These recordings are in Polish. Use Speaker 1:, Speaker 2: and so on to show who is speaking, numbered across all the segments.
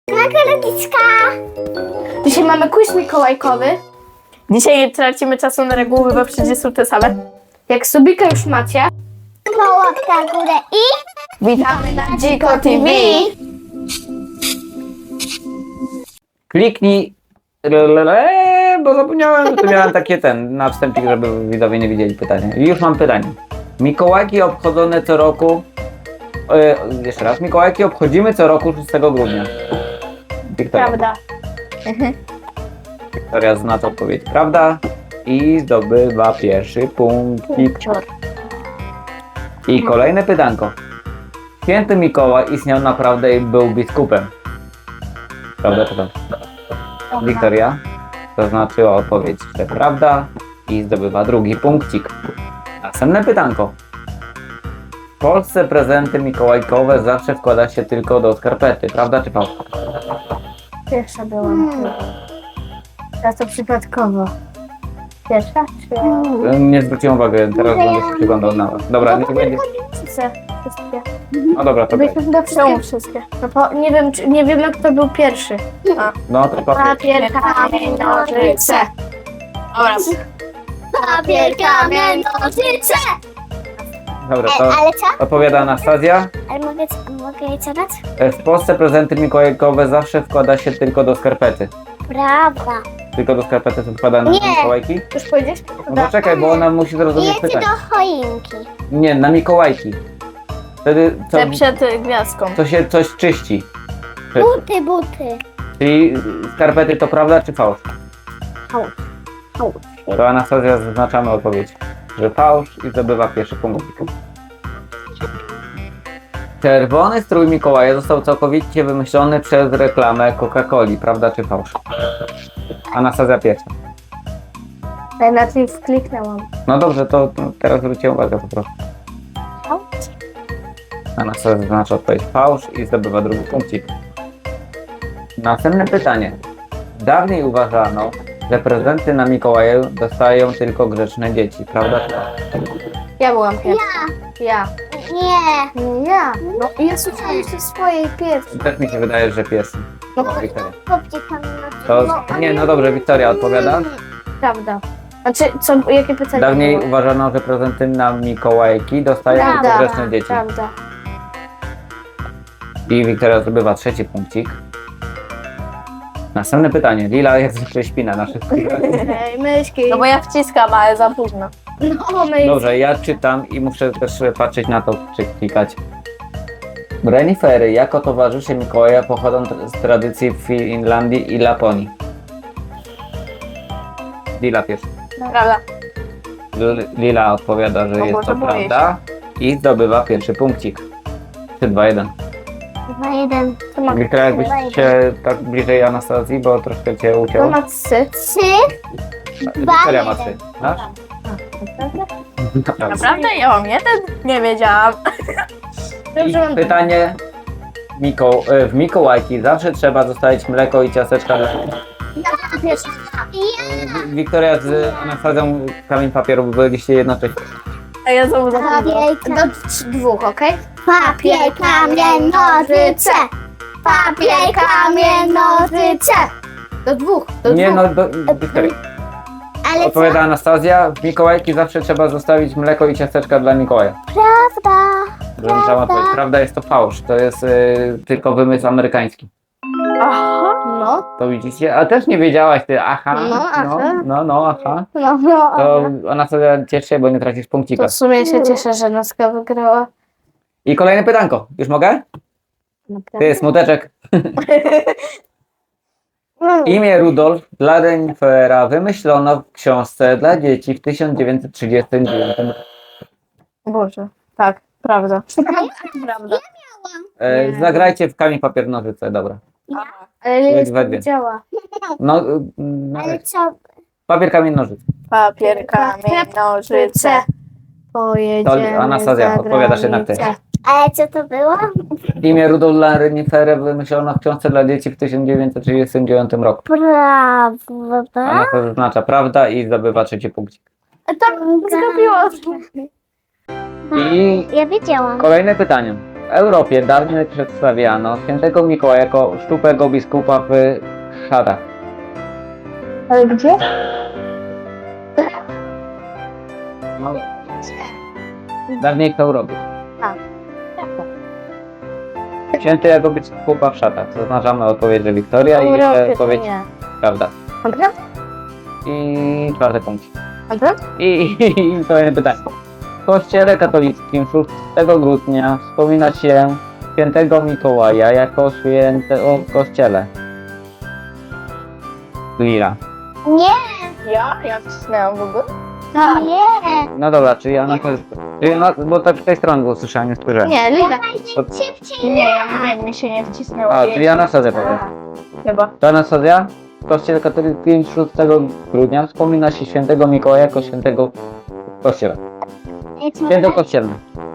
Speaker 1: Nagrodziska!
Speaker 2: Dzisiaj mamy quiz mikołajkowy. Dzisiaj nie tracimy czasu na reguły, bo przecież są te same. Jak subika już macie,
Speaker 1: Łapka w górę i...
Speaker 2: witamy na Dziko TV!
Speaker 3: Kliknij, bo zapomniałem, to miałem takie na wstępie, żeby widzowie nie widzieli pytania. I już mam pytanie. Mikołajki obchodzone co roku, jeszcze raz, Mikołajki obchodzimy co roku 6 grudnia. Wiktoria.
Speaker 2: Prawda.
Speaker 3: Wiktoria zna odpowiedź. Prawda? I zdobywa pierwszy punkcik. I kolejne pytanko. Święty Mikołaj istniał naprawdę i był biskupem. Prawda czy to? Wiktoria zaznaczyła odpowiedź, że prawda i zdobywa drugi punkcik. Następne pytanko. W Polsce prezenty mikołajkowe zawsze wkłada się tylko do skarpety. Prawda czy fałsz?
Speaker 2: Pierwsza byłam. Teraz to przypadkowo. Pierwsza? Czy...
Speaker 3: Nie zwróciłem uwagi, teraz będę się przyglądał na was. Dobra, nie będzie.
Speaker 2: Wszystkie.
Speaker 3: No dobra, to
Speaker 2: Byliśmy chyba wszystkie. No bo nie wiemy kto był pierwszy.
Speaker 3: no to papier.
Speaker 2: Papier, kamień, nożyce. Dobra.
Speaker 1: Papier, kamień, nożyce!
Speaker 3: Dobra, to
Speaker 1: Ale co?
Speaker 3: odpowiada Anastazja.
Speaker 1: Ale mogę jej zadać?
Speaker 3: W Polsce prezenty mikołajkowe zawsze wkłada się tylko do skarpety.
Speaker 1: Prawda.
Speaker 3: Tylko do skarpety są wkładane
Speaker 1: Nie.
Speaker 3: mikołajki?
Speaker 2: Już powiedziałeś?
Speaker 3: No poczekaj, bo ona musi zrozumieć
Speaker 1: Jeszcze
Speaker 3: pytanie.
Speaker 1: do choinki.
Speaker 3: Nie, na mikołajki. Wtedy
Speaker 2: Te przed gwiazdką.
Speaker 3: to się coś czyści.
Speaker 1: Buty.
Speaker 3: Czyli skarpety to prawda czy fałsz?
Speaker 1: Fałsz.
Speaker 3: To Anastazja zaznaczamy odpowiedź, że fałsz i zdobywa pierwszy punkt. Czerwony strój Mikołaja został całkowicie wymyślony przez reklamę Coca-Coli, prawda czy fałsz? Anastazja pierwsza.
Speaker 2: Ja na tym wkliknęłam.
Speaker 3: No dobrze, to teraz zwróćcie uwagę po prostu. Anastazja zaznacza odpowiedź fałsz i zdobywa drugi punkcik. Następne pytanie. Dawniej uważano, że prezenty na Mikołaja dostają tylko grzeczne dzieci, prawda?
Speaker 2: Ja byłam pierwsza. Ja.
Speaker 1: Nie.
Speaker 2: Ja. No i ja słuchałam jeszcze swojej pierwszej.
Speaker 3: Też mi się wydaje, że pies.
Speaker 2: No,
Speaker 3: Wiktoria.
Speaker 1: Chłopcie tam
Speaker 3: To, nie, no dobrze, Wiktoria odpowiada.
Speaker 2: prawda. Znaczy, jakie pytanie
Speaker 3: Dawniej
Speaker 2: było?
Speaker 3: uważano, że prezenty na Mikołajki dostają tylko
Speaker 2: Prawda.
Speaker 3: grzeczne dzieci.
Speaker 2: Prawda.
Speaker 3: I Wiktoria zdobywa trzeci punkcik. Następne pytanie. Lila jak zwykle śpi na naszych chwilach.
Speaker 2: Ej, myszki.
Speaker 4: No bo ja wciskam, ale za późno.
Speaker 2: No, myszki.
Speaker 3: Dobrze, ja czytam i muszę też patrzeć na to, czy klikać. Renifery jako towarzysze Mikołaja pochodzą z tradycji w Finlandii i Laponii. Lila pierwsza.
Speaker 4: Prawda?
Speaker 3: Lila odpowiada, że
Speaker 4: O
Speaker 3: jest
Speaker 4: Boże,
Speaker 3: to
Speaker 4: boję
Speaker 3: prawda i zdobywa pierwszy punkcik. 3, 2, 1.
Speaker 1: 2-1.
Speaker 2: To ma,
Speaker 3: Wiktoria, jakbyś się tak bliżej Anastazji, bo troszkę cię
Speaker 2: to
Speaker 3: ucięło.
Speaker 2: ma 3.
Speaker 1: 3.
Speaker 3: Wiktoria ma 3.
Speaker 1: 1.
Speaker 3: Masz? Naprawdę.
Speaker 4: Naprawdę? Ja mam jeden? Nie wiedziałam.
Speaker 2: Dobrze, mam
Speaker 3: I pytanie. W Mikołajki zawsze trzeba zostawić mleko i ciasteczka.
Speaker 2: pierwsza.
Speaker 3: Wiktoria z Anastazją kamień papieru byliście jednocześnie.
Speaker 4: A ja znowu zapomniałam.
Speaker 1: Papier,
Speaker 2: Do 2, okej?
Speaker 1: papier, kamień, nożyce. Papier, kamień, nożyce.
Speaker 2: Do 2. Do
Speaker 3: Nie
Speaker 2: 2.
Speaker 3: no, Wiktoria.
Speaker 1: Ale co?
Speaker 3: Odpowiada Anastazja. W Mikołajki zawsze trzeba zostawić mleko i ciasteczka dla Mikołaja.
Speaker 1: Prawda.
Speaker 3: Prawda. Odpowiedź. Prawda, jest to fałsz. To jest tylko wymysł amerykański.
Speaker 2: Aha. No.
Speaker 3: To widzicie? A też nie wiedziałaś ty, aha.
Speaker 2: No, aha.
Speaker 3: Aha.
Speaker 2: No.
Speaker 3: To Anastazja, ciesz się, bo nie tracisz punkcika.
Speaker 2: To w sumie się cieszę, że Naska wygrała.
Speaker 3: I kolejne pytanko. Już mogę? Ty, smuteczek. Imię Rudolf dla Renifera wymyślono w książce dla dzieci w 1939 roku.
Speaker 2: Boże. Tak, prawda.
Speaker 4: Prawda.
Speaker 3: Zagrajcie w kamień, papier, nożyce, dobra.
Speaker 2: Ale nie
Speaker 3: Dwa, dwie.
Speaker 2: działa.
Speaker 3: No,
Speaker 1: Ale co?
Speaker 3: papier, kamień, nożyce.
Speaker 4: Papier, kamień, nożyce.
Speaker 2: Pojedziemy
Speaker 3: To Anastazja,
Speaker 2: za
Speaker 3: odpowiadasz jednak ty.
Speaker 2: granicę.
Speaker 1: Ale co to było?
Speaker 3: Imię Rudolf dla Renifera wymyślono w książce dla dzieci w 1939 roku.
Speaker 1: Prawda.
Speaker 3: Anastazja zaznacza prawda i zdobywa trzeci punkcik.
Speaker 2: Tak, zgapiłam.
Speaker 3: I
Speaker 1: Ja wiedziałam.
Speaker 3: kolejne pytanie. W Europie dawniej przedstawiano świętego Mikołaja jako szczupłego biskupa w szatach.
Speaker 2: Ale gdzie?
Speaker 3: No, dawniej w Europie.
Speaker 2: Tak.
Speaker 3: Święty jako biskupa w szatach. Zaznaczamy odpowiedź, że Wiktoria i jeszcze odpowiedź prawda.
Speaker 2: Dobra?
Speaker 3: I czwarty punkt.
Speaker 2: Dobra?
Speaker 3: I kolejne pytanie. W kościele katolickim 6 grudnia wspomina się świętego Mikołaja jako świętego w kościele. Lila.
Speaker 1: Nie,
Speaker 4: Ja wcisnęłam w ogóle.
Speaker 1: nie.
Speaker 3: No dobra, czyli ja na bo tak z tej strony go słyszałem, nie spojrzałem.
Speaker 2: Nie, Lila.
Speaker 1: Szybciej.
Speaker 4: Nie, ja mówię, mi się nie wcisnęło.
Speaker 3: A, czyli Anastazja powiem.
Speaker 4: Chyba.
Speaker 3: To Anastazja? W kościele katolickim 6 grudnia wspomina się świętego Mikołaja jako świętego w kościele. Święto kościelne.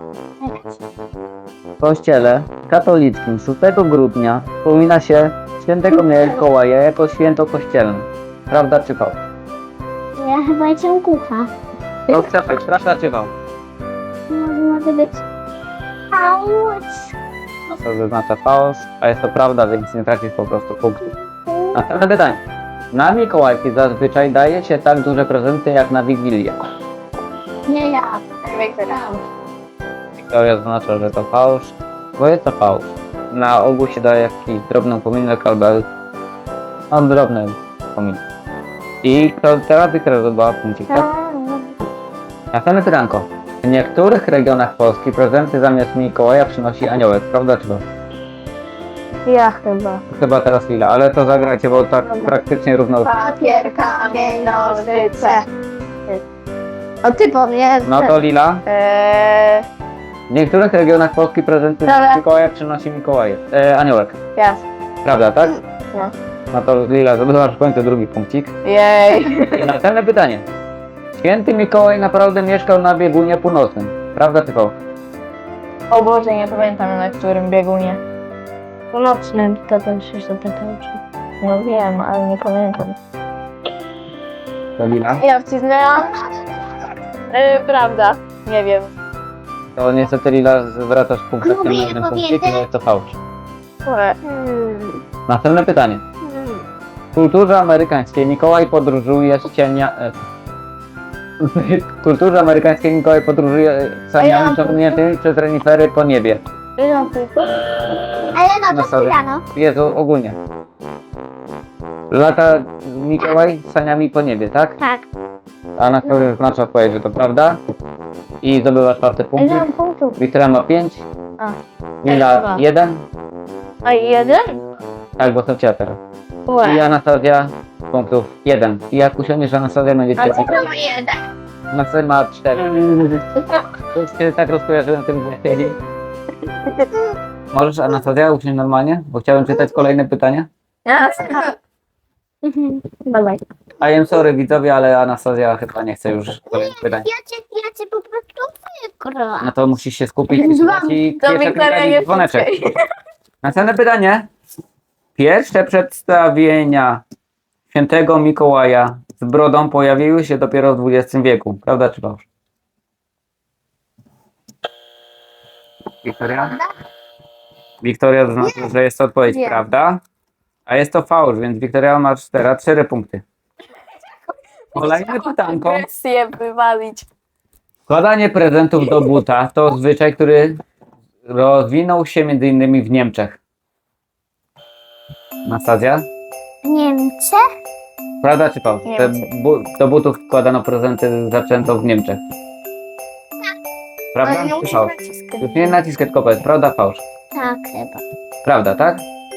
Speaker 3: W kościele katolickim 6 grudnia wspomina się świętego Mikołaja jako święto kościelne. Prawda czy fałsz?
Speaker 1: Ja chyba jestem kucha.
Speaker 3: To Krzepek, prawda czy fałsz?
Speaker 1: Może być. Auć.
Speaker 3: No to zaznacza fałsz, a jest to prawda, więc nie tracisz po prostu punktu. Następne pytanie. Na Mikołajki zazwyczaj daje się tak duże prezenty jak na Wigilię.
Speaker 1: Nie ja.
Speaker 3: Wiktoria zaznacza, że to fałsz, bo jest to fałsz. Na ogół się daje jakiś drobny upominek albo drobny upominek. I teraz Wiktoria zdobyła punkcik, tak? Następne pytanko. W niektórych regionach Polski prezenty zamiast Mikołaja przynosi aniołek, prawda czy to?
Speaker 2: Ja chyba.
Speaker 3: Chyba teraz Lila, ale to zagrajcie, bo tak praktycznie równo.
Speaker 4: Papier, kamień, nożyce.
Speaker 2: O ty powiedz.
Speaker 3: No to Lila. W niektórych regionach Polski prezenty
Speaker 2: Dobra.
Speaker 3: Mikołaja przynosi aniołek.
Speaker 2: Ja.
Speaker 3: Prawda, tak?
Speaker 4: No.
Speaker 3: No to Lila, zdobywasz w końcu drugi punkcik.
Speaker 4: Jej.
Speaker 3: I następne pytanie. Święty Mikołaj naprawdę mieszkał na biegunie północnym. Prawda czy fałsz?
Speaker 4: O Boże, nie pamiętam na którym biegunie.
Speaker 2: Północnym to ten się zapytał, czy...
Speaker 4: No wiem, ale nie pamiętam.
Speaker 3: To Lila.
Speaker 4: Ja wcisnęłam. Prawda. Nie wiem.
Speaker 3: To niestety Lila zwracasz punkt na
Speaker 1: Lubię
Speaker 3: jeden punkcik,
Speaker 1: powiedzieć.
Speaker 3: no jest to fałsz.
Speaker 4: Ue.
Speaker 3: Następne pytanie. W kulturze amerykańskiej Mikołaj podróżuje z cienia... W kulturze amerykańskiej Mikołaj podróżuje saniami ciągniętymi przez renifery po niebie.
Speaker 1: Ale no
Speaker 3: No
Speaker 1: to
Speaker 3: sorry.
Speaker 1: chwila, no.
Speaker 3: Jezu, ogólnie. Lata Mikołaj saniami po niebie, tak?
Speaker 1: Tak.
Speaker 3: A na którym znaczy odpowiedź, że to prawda. I zdobywa czwarty punkt.
Speaker 2: punktów.
Speaker 3: Wiktoria ma 5.
Speaker 2: A.
Speaker 3: Lila
Speaker 2: Dwa.
Speaker 3: 1.
Speaker 2: A jeden?
Speaker 3: Tak, bo to cię teraz. I Anastazja punktów 1. I jak usiądziesz, Anastazja będzie 4. Anastazja ma 4. To już się tak rozkojarzyłem tym wcześniej. Możesz, Anastazja, usiąść normalnie? Bo chciałem czytać kolejne pytania.
Speaker 2: Dawaj.
Speaker 3: I am sorry, widzowie, ale Anastazja chyba nie chce już kolejnych pytań.
Speaker 1: Ja cię po prostu wygrałam.
Speaker 3: No to musisz się skupić i słuchać i
Speaker 4: To
Speaker 3: pierwsze
Speaker 4: Wiktoria
Speaker 3: klikać
Speaker 4: nie
Speaker 3: dzwoneczek.
Speaker 4: wciskaj.
Speaker 3: Następne pytanie. Pierwsze przedstawienia świętego Mikołaja z brodą pojawiły się dopiero w XX wieku. Prawda czy fałsz? Wiktoria? Wiktoria zaznaczyła, że jest to odpowiedź
Speaker 2: Nie.
Speaker 3: prawda, a jest to fałsz, więc Wiktoria ma teraz 4 punkty. Kolejne pytanko.
Speaker 4: Agresję wywalić.
Speaker 3: Wkładanie prezentów do buta to zwyczaj, który rozwinął się m.in. w Niemczech. Anastazja?
Speaker 1: Niemcy?
Speaker 3: Prawda czy fałsz? Że
Speaker 4: Niemcy.
Speaker 3: do butów wkładano prezenty zaczęto w Niemczech. Prawda czy fałsz? Już nie naciskać kopę, prawda fałsz?
Speaker 1: Tak chyba.
Speaker 3: Prawda, tak?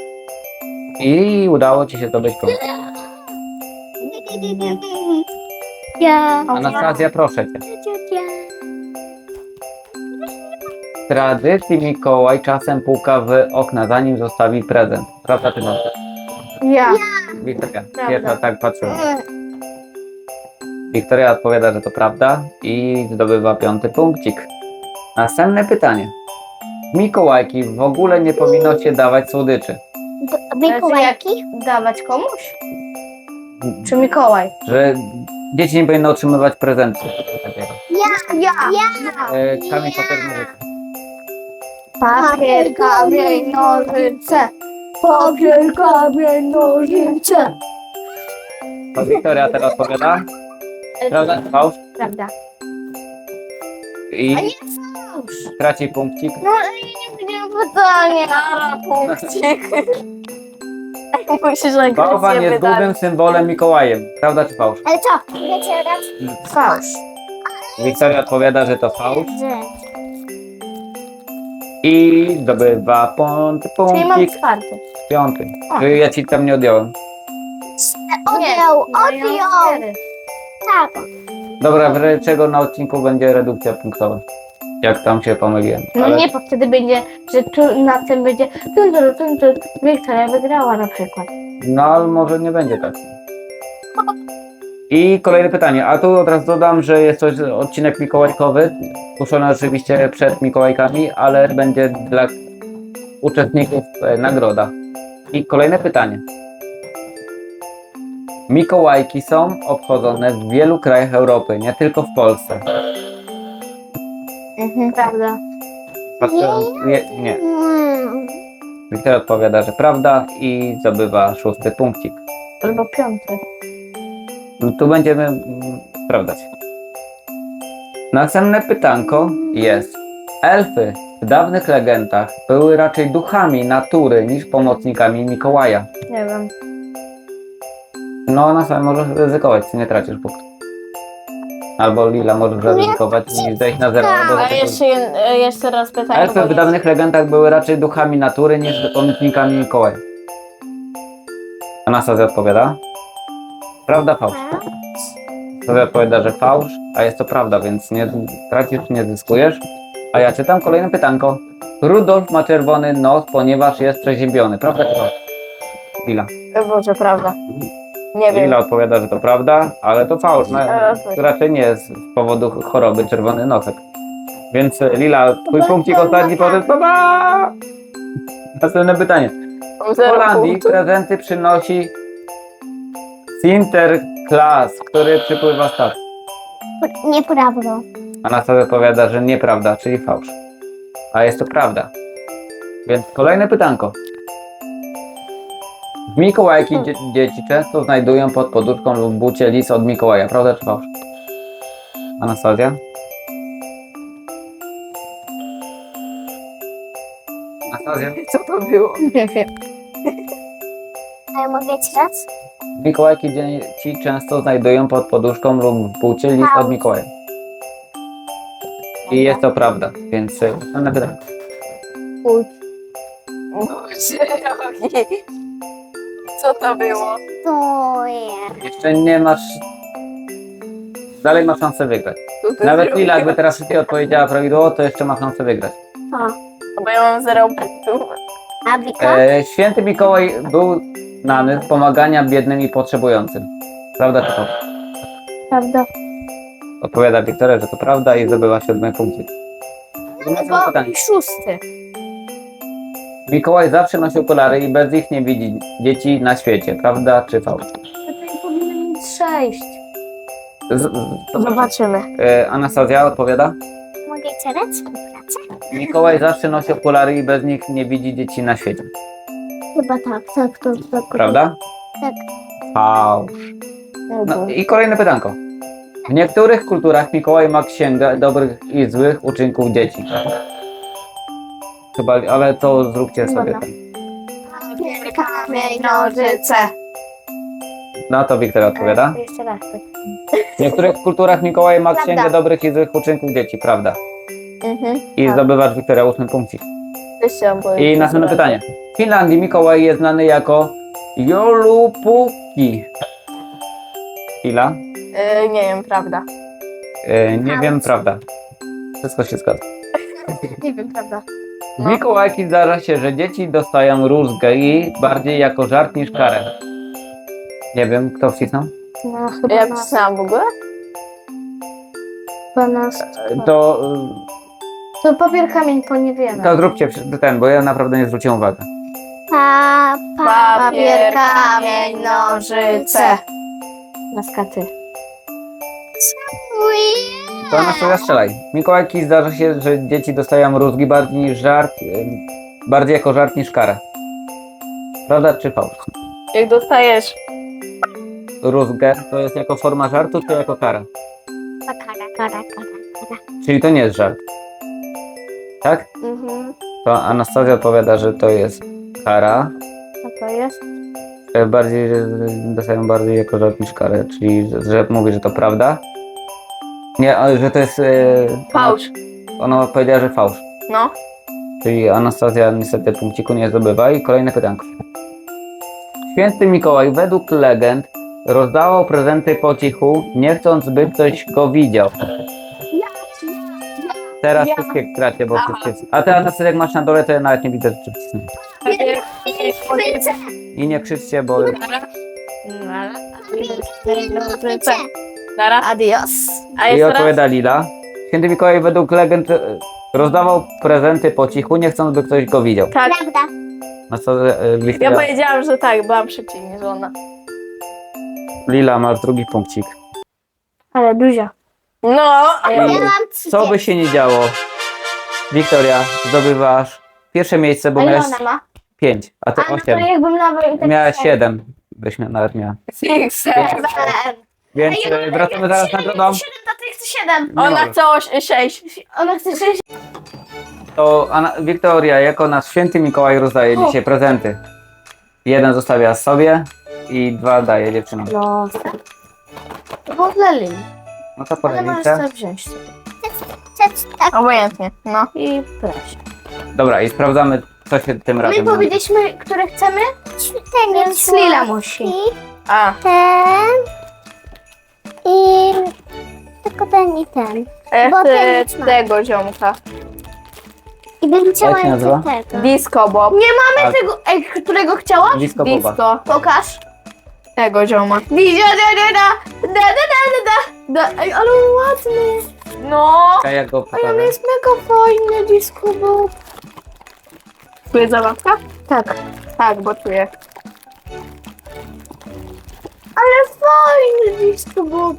Speaker 3: I udało ci się zdobyć punkt.
Speaker 1: Ja.
Speaker 3: Anastazja, proszę cię. W tradycji Mikołaj czasem puka w okna, zanim zostawi prezent. Prawda czy fałsz?
Speaker 2: Ja.
Speaker 3: Wiktoria, pierwsza tak patrzyła. Wiktoria odpowiada, że to prawda i zdobywa 5. punkcik. Następne pytanie. Mikołajki w ogóle nie powinno się dawać słodyczy.
Speaker 1: Mikołajki?
Speaker 2: Dawać komuś? Czy Mikołaj?
Speaker 3: Że dzieci nie powinny otrzymywać prezentów. Takiego.
Speaker 1: Ja.
Speaker 3: Kamień papier nożyce.
Speaker 2: Papier, kamień, nożyce. Papier, kamień, nożyce.
Speaker 3: To Wiktoria teraz odpowiada. Prawda czy fałsz?
Speaker 2: Prawda.
Speaker 3: I
Speaker 2: A nie fałsz.
Speaker 3: traci punkcik.
Speaker 2: No i nie pytanie, a punkcik. Musisz najpierw
Speaker 3: Bałwan jest
Speaker 2: wydać.
Speaker 3: głównym symbolem Mikołajem. Prawda czy fałsz?
Speaker 1: Ale co? Wiecie raz?
Speaker 2: Fałsz.
Speaker 3: Wiktoria odpowiada, że to fałsz.
Speaker 1: Że.
Speaker 3: I zdobywa
Speaker 2: Czyli mam
Speaker 3: punkcik.
Speaker 2: 4.
Speaker 3: 5.
Speaker 2: O.
Speaker 3: Czyli ja ci tam nie odjąłem.
Speaker 1: Odjął,
Speaker 2: Mają
Speaker 1: odjął.
Speaker 2: 4.
Speaker 1: Tak.
Speaker 3: Dobra, w razie czego na odcinku będzie redukcja punktowa. Jak tam się pomyliłem.
Speaker 2: No
Speaker 3: Ale
Speaker 2: nie, bo wtedy będzie, że tu na tym będzie Wiktoria wygrała na przykład.
Speaker 3: No, ale może nie będzie tak. I kolejne pytanie. A tu od razu dodam, że jest to odcinek mikołajkowy. Puszczony oczywiście przed Mikołajkami, ale będzie dla uczestników nagroda. I kolejne pytanie. Mikołajki są obchodzone w wielu krajach Europy, nie tylko w Polsce.
Speaker 2: Prawda.
Speaker 3: Nie. Wiktoria odpowiada, że prawda i zdobywa 6. punkcik.
Speaker 2: Albo 5.
Speaker 3: No tu będziemy sprawdzać. Następne pytanko jest. Elfy w dawnych legendach były raczej duchami natury niż pomocnikami Mikołaja.
Speaker 2: Nie wiem.
Speaker 3: No na samym możesz ryzykować, ty nie tracisz punktu. Albo Lila możesz zaryzykować i zejść na zero. Albo
Speaker 2: A
Speaker 3: zaryzykować.
Speaker 2: jeszcze raz pytanie.
Speaker 3: Elfy w dawnych legendach były raczej duchami natury niż pomocnikami Mikołaja. Anastazja odpowiada. Prawda, fałsz? Anastazja odpowiada, że fałsz, a jest to prawda, więc nie tracisz, nie zyskujesz. A ja czytam kolejne pytanko. Rudolf ma czerwony nos, ponieważ jest przeziębiony. Prawda czy fałsz? Lila.
Speaker 2: Boże, prawda. Nie wiem.
Speaker 3: Lila odpowiada, że to prawda, ale to fałsz. No, raczej nie jest z powodu choroby czerwony nosek. Więc Lila, twój punkcik ostatni potem. Następne pytanie. W Holandii prezenty przynosi Sinterklaas, który przypływa statkiem.
Speaker 1: Nieprawda.
Speaker 3: Anastazja odpowiada, że nieprawda, czyli fałsz. A jest to prawda. Więc kolejne pytanko. W Mikołajki dzieci często znajdują pod poduszką lub bucie list od Mikołaja. Prawda czy fałsz? Anastazja? Anastazja?
Speaker 2: Co to było? Nie wiem.
Speaker 1: Ale mogę ci raz?
Speaker 3: W Mikołajki dzieci często znajdują pod poduszką lub w bucie list od Mikołaja. I jest to prawda, więc następne pytanie.
Speaker 2: Co to było?
Speaker 1: To jest.
Speaker 3: Jeszcze nie masz... Dalej masz szansę wygrać. Nawet Lila, jakby teraz ty odpowiedziała prawidłowo, to jeszcze ma szansę wygrać.
Speaker 2: Bo ja mam 0 punktów.
Speaker 1: A Wika?
Speaker 3: Święty Mikołaj był znany z pomagania biednym i potrzebującym. Prawda czy to?
Speaker 2: Prawda.
Speaker 3: Odpowiada Wiktoria, że to prawda i zdobywa 7 punkty. Następne pytanie.
Speaker 2: 6.
Speaker 3: Mikołaj zawsze nosi okulary i bez nich nie widzi dzieci na świecie. Prawda czy fałsz?
Speaker 2: To powinno mieć 6.
Speaker 3: To
Speaker 2: Zobaczymy.
Speaker 3: Anastazja odpowiada.
Speaker 1: Mogę ci raz? Współpracę?
Speaker 3: Mikołaj zawsze nosi okulary i bez nich nie widzi dzieci na świecie.
Speaker 1: Chyba tak.
Speaker 3: Prawda?
Speaker 1: Tak.
Speaker 3: Fałsz. No i kolejne pytanko. W niektórych kulturach Mikołaj ma księgę dobrych i złych uczynków dzieci. Chyba, ale to zróbcie sobie.
Speaker 2: Dobra. Kamień, nożyce.
Speaker 3: Na to Wiktoria odpowiada.
Speaker 2: Jeszcze raz.
Speaker 3: W niektórych kulturach Mikołaj ma
Speaker 1: Prawda.
Speaker 3: księgę dobrych i złych uczynków dzieci. Prawda. I
Speaker 2: Tak.
Speaker 3: zdobywasz Wiktoria 8 punkcik.
Speaker 2: Jeszcze
Speaker 3: I następne pytanie. W Finlandii Mikołaj jest znany jako Joulupuki. Ila?
Speaker 2: Nie wiem, prawda.
Speaker 3: Nie wiem, prawda. Wszystko się zgadza.
Speaker 2: Nie wiem, prawda.
Speaker 3: W Mikołajki zdarza się, że dzieci dostają rózgę i bardziej jako żart niż karę. Nie wiem, kto wcisnął?
Speaker 2: No, chyba ja pisałam w ogóle? 12. To papier, kamień, bo nie wiemy.
Speaker 3: To zróbcie ten, bo ja naprawdę nie zwróciłem uwagi.
Speaker 2: Papier, kamień, nożyce. Na skaty.
Speaker 3: To Anastazja, strzelaj. Mikołajki zdarza się, że dzieci dostają rózgi bardziej niż żart, bardziej jako żart niż karę. Prawda czy fałsz?
Speaker 4: Jak dostajesz
Speaker 3: Rózgę to jest jako forma żartu, czy jako kara?
Speaker 1: Kara.
Speaker 3: Czyli to nie jest żart. Tak?
Speaker 2: Mhm.
Speaker 3: To Anastazja odpowiada, że to jest kara.
Speaker 2: A to jest?
Speaker 3: Bardziej, że dostają bardziej jako żart niż karę, czyli że mówi, że to prawda. Nie, ale że to jest...
Speaker 2: Fałsz.
Speaker 3: Ona powiedziała, że fałsz.
Speaker 2: No.
Speaker 3: Czyli Anastazja niestety punkciku nie zdobywa. I kolejne pytanko. Święty Mikołaj według legend rozdawał prezenty po cichu, nie chcąc, by ktoś go widział. Teraz wszystkie kracie, bo wszystkie... A ty Anastazja, jak masz na dole, to ja nawet nie widzę, czy wcisnę. I nie krzyczcie, bo...
Speaker 4: Nara.
Speaker 2: Adios.
Speaker 4: A
Speaker 3: I
Speaker 4: jest teraz?
Speaker 3: odpowiada Lila. Święty Mikołaj według legend rozdawał prezenty po cichu, nie chcąc, by ktoś go widział.
Speaker 2: Tak.
Speaker 1: Prawda.
Speaker 3: No co,
Speaker 4: Ja
Speaker 3: Wiktoria,
Speaker 4: powiedziałam, że tak, byłam szybciej niż ona.
Speaker 3: Lila, masz drugi punkcik.
Speaker 2: Ale duża.
Speaker 4: No,
Speaker 1: Ja mam
Speaker 3: Co by się nie działo, Wiktoria, zdobywasz pierwsze miejsce, bo
Speaker 2: A ile
Speaker 3: miałeś
Speaker 2: ona ma?
Speaker 3: 5, a ty
Speaker 2: A no to
Speaker 3: 8.
Speaker 2: jakbym nawet...
Speaker 3: Miałeś 7, byś nawet miała. Więc wracamy zaraz na nagrodą.
Speaker 2: 7, to ty chcesz 7.
Speaker 4: Ona chce 6.
Speaker 2: Ona chce 6.
Speaker 3: To Wiktoria, jako nasz święty Mikołaj rozdaje dzisiaj prezenty. 1 zostawia sobie i 2 daje dziewczynom.
Speaker 2: No. To było dla Lili.
Speaker 3: No to
Speaker 2: Ale możesz
Speaker 3: poradnicę.
Speaker 2: to wziąć sobie.
Speaker 1: Tak.
Speaker 4: Obojętnie, no.
Speaker 2: I proszę.
Speaker 3: Dobra, i sprawdzamy, co się tym razem...
Speaker 2: My powiedzieliśmy, które chcemy,
Speaker 1: Ten
Speaker 2: więc
Speaker 1: jest
Speaker 2: Lila musi.
Speaker 4: A,
Speaker 1: Ten. I... Tylko ten i ten.
Speaker 4: ja
Speaker 1: Bo
Speaker 4: chcę
Speaker 1: ten jest ma.
Speaker 4: tego ziomka.
Speaker 1: I bym chciała
Speaker 3: Jak się nazywa?
Speaker 1: jeszcze tego.
Speaker 4: Disco Bob.
Speaker 2: Nie mamy
Speaker 3: Tak.
Speaker 2: tego, którego chciałaś?
Speaker 3: Disco Boba.
Speaker 4: Disco.
Speaker 2: Pokaż.
Speaker 4: Tego zioma.
Speaker 2: Ej, ale ładny.
Speaker 4: No.
Speaker 3: A ja go
Speaker 2: Ej, on
Speaker 3: pokażę.
Speaker 2: jest mega fajny, disco bob.
Speaker 4: Czuje zabawka?
Speaker 2: Tak.
Speaker 4: Tak, bo czuję.
Speaker 2: Ale fajny disco bob.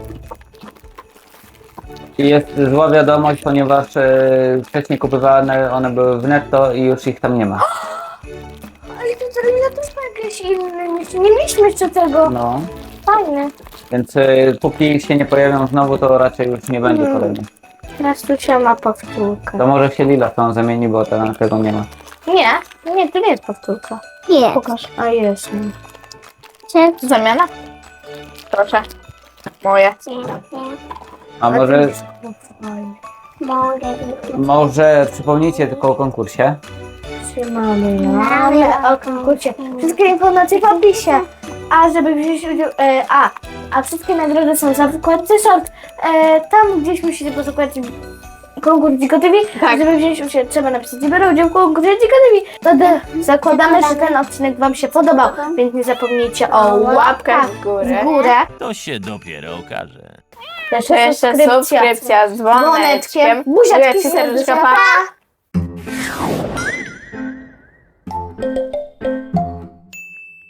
Speaker 3: I jest zła wiadomość, ponieważ wcześniej kupowane one były w netto i już ich tam nie ma.
Speaker 2: Ale to termina też ma jakieś inne. Nie mieliśmy jeszcze tego.
Speaker 3: No,
Speaker 2: Fajny.
Speaker 3: więc póki się nie pojawią znowu, to raczej już nie będzie kolejnych.
Speaker 2: Teraz tu się ma powtórkę.
Speaker 3: To może się Lila tą zamieni, bo tego nie ma.
Speaker 2: Nie, to nie jest powtórka.
Speaker 1: Jest.
Speaker 2: Pokaż. A jest. No.
Speaker 1: Cześć.
Speaker 4: Zamiana? Proszę. Moje.
Speaker 3: A może,
Speaker 1: Mogę.
Speaker 3: może przypomnijcie tylko o konkursie.
Speaker 2: Trzymamy o konkursie. Wszystkie informacje w opisie. A żeby wziąć udział, a wszystkie nagrody są za wykładce short. Tam gdzieś musicie posłuchać konkurs Dziko TV.
Speaker 4: Tak.
Speaker 2: Żeby wziąć udział, trzeba napisać biorę udział w konkursie Dziko TV. Zakładamy, że ten odcinek wam się podobał, więc nie zapomnijcie o łapkach
Speaker 4: w górę.
Speaker 2: w górę.
Speaker 5: To się dopiero okaże.
Speaker 4: Jeszcze subskrypcja z dzwoneczkiem.
Speaker 2: Buziaczki
Speaker 4: Buziaczki, serduszka,
Speaker 2: serduszka,
Speaker 4: pa.
Speaker 2: pa.